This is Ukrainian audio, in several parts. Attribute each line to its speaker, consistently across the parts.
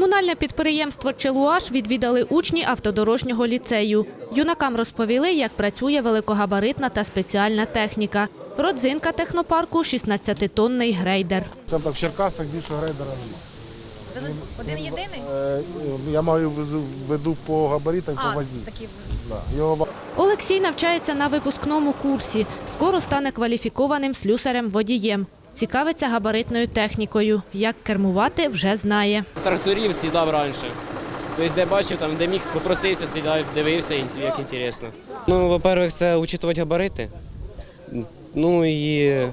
Speaker 1: Комунальне підприємство «Челуаш» відвідали учні автодорожнього ліцею. Юнакам розповіли, як працює великогабаритна та спеціальна техніка. Родзинка технопарку – 16-тонний грейдер.
Speaker 2: Там в Черкасах більшого грейдера немає.
Speaker 3: Один єдиний?
Speaker 2: Я маю в виду по габаритах, по вазі.
Speaker 3: Такі.
Speaker 1: Олексій навчається на випускному курсі. Скоро стане кваліфікованим слюсарем-водієм. Цікавиться габаритною технікою. Як кермувати – вже знає.
Speaker 4: Тракторів сідав раніше. Тобто, де бачив, там, де міг, попросився, сідав, дивився, як цікаво. Ну, по-перше, це учитувати габарити. Ну і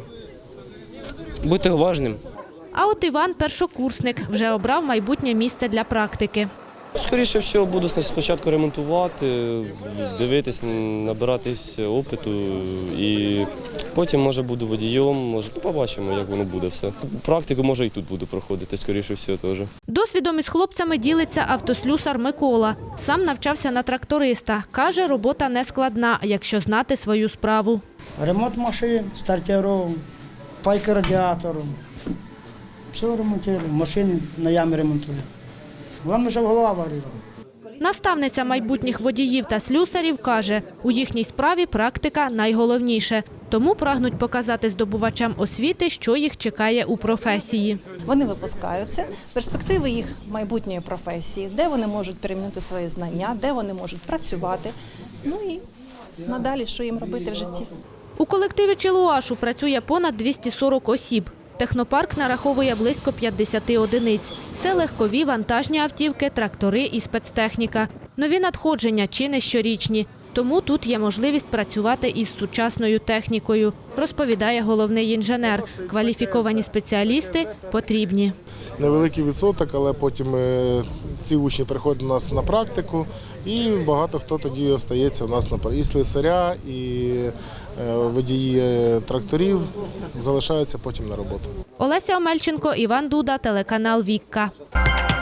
Speaker 4: бути уважним.
Speaker 1: А от Іван – першокурсник. Вже обрав майбутнє місце для практики.
Speaker 5: Скоріше всього, буду спочатку ремонтувати, дивитись, набиратись опиту і потім, може, буду водієм, може, побачимо, як воно буде все. Практику, може, і тут буду проходити, скоріше всього, теж.
Speaker 1: Досвідом із хлопцями ділиться автослюсар Микола. Сам навчався на тракториста. Каже, робота не складна, якщо знати свою справу.
Speaker 6: Ремонт машин, стартерів, пайки радіатору. Все ремонтую, машини на ямі ремонтую. Головне, щоб голова варила.
Speaker 1: Наставниця майбутніх водіїв та слюсарів каже, у їхній справі практика найголовніше. Тому прагнуть показати здобувачам освіти, що їх чекає у професії.
Speaker 3: Вони випускаються, перспективи їх майбутньої професії, де вони можуть перемінити свої знання, де вони можуть працювати, ну і надалі, що їм робити в житті.
Speaker 1: У колективі «Челуашу» працює понад 240 осіб. Технопарк нараховує близько 50 одиниць. Це легкові вантажні автівки, трактори і спецтехніка. Нові надходження чи не щорічні. Тому тут є можливість працювати із сучасною технікою, розповідає головний інженер. Кваліфіковані спеціалісти потрібні.
Speaker 2: Невеликий відсоток, але потім ці учні приходять до нас на практику і багато хто тоді остається у нас на практиці. І слесаря, і водії тракторів залишаються потім на роботу.
Speaker 1: Олеся Омельченко, Іван Дуда, телеканал «Вікка».